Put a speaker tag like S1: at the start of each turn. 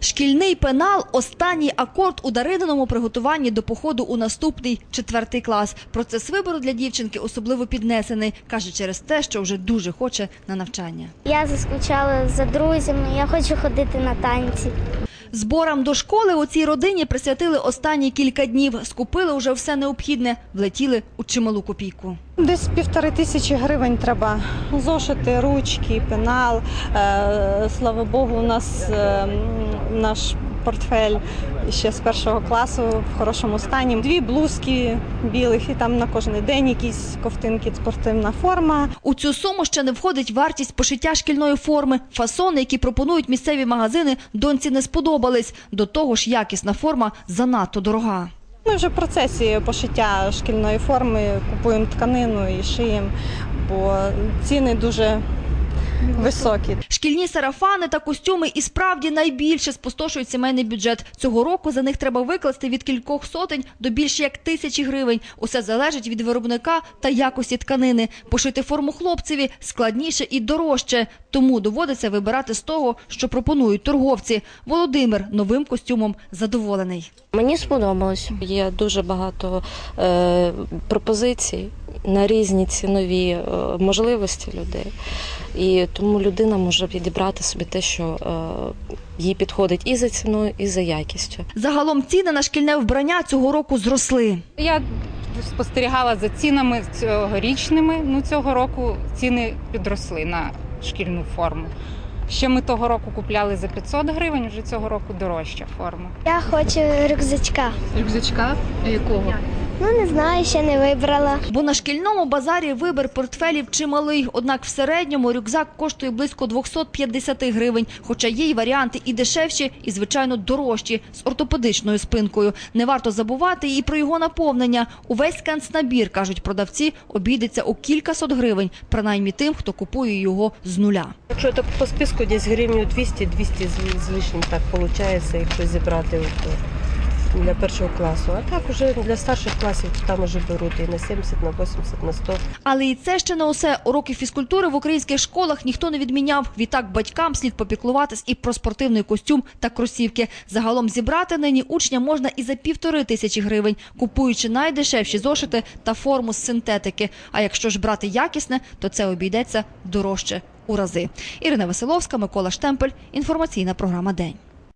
S1: Шкільний пенал – останній акорд у Дарининому приготуванні до походу у наступний 4 клас. Процес вибору для дівчинки особливо піднесений. Каже, через те, що вже дуже хоче на навчання.
S2: Я заскучала за друзями, я хочу ходити на танці.
S1: Зборам до школи у цій родині присвятили останні кілька днів. Скупили вже все необхідне, влетіли у чималу копійку.
S3: Десь 1500 гривень треба. Зошити, ручки, пенал. Слава Богу, у нас наш портфель ще з 1 класу в хорошому стані. 2 блузки білих і там на кожен день якісь ковтинки, спортивна форма.
S1: У цю суму ще не входить вартість пошиття шкільної форми. Фасони, які пропонують місцеві магазини, доньці не сподобались. До того ж, якісна форма занадто дорога.
S3: Ми вже в процесі пошиття шкільної форми, купуємо тканину і шиємо, бо ціни дуже високі.
S1: Шкільні сарафани та костюми і справді найбільше спустошують сімейний бюджет. Цього року за них треба викласти від кількох сотень до більше як 1000 гривень. Усе залежить від виробника та якості тканини. Пошити форму хлопцеві складніше і дорожче. Тому доводиться вибирати з того, що пропонують торговці. Володимир новим костюмом задоволений.
S4: Мені сподобалось. Є дуже багато пропозицій на різні цінові можливості людей. І тому людина може підібрати собі те, що їй підходить і за ціною, і за якістю.
S1: Загалом ціни на шкільне вбрання цього року зросли.
S5: Я спостерігала за цінами цьогорічними. Цього року ціни підросли на шкільну форму. Ще ми того року купляли за 500 гривень, вже цього року дорожча форма.
S2: Я хочу рюкзачка.
S6: Рюкзачка? Якого?
S2: Не знаю, ще не вибрала.
S1: Бо на шкільному базарі вибір портфелів чималий. Однак в середньому рюкзак коштує близько 250 гривень. Хоча є й варіанти і дешевші, і, звичайно, дорожчі, з ортопедичною спинкою. Не варто забувати і про його наповнення. Увесь канцнабір, кажуть продавці, обійдеться у кількасот гривень. Принаймні тим, хто купує його з нуля.
S7: Якщо так по списку, десь гривню 200 з лишнім так виходить, якщо зібрати для 1 класу. А так уже для старших класів там уже беруть і на 70, на 80, на 100.
S1: Але і це ще не усе. Уроки фізкультури в українських школах ніхто не відміняв. Відтак батькам слід попіклуватись і про спортивний костюм та кросівки. Загалом зібрати нині учня можна і за 1500 гривень, купуючи найдешевші зошити та форму з синтетики. А якщо ж брати якісне, то це обійдеться дорожче у рази. Ірина Василовська, Микола Штемпель. Інформаційна програма «День».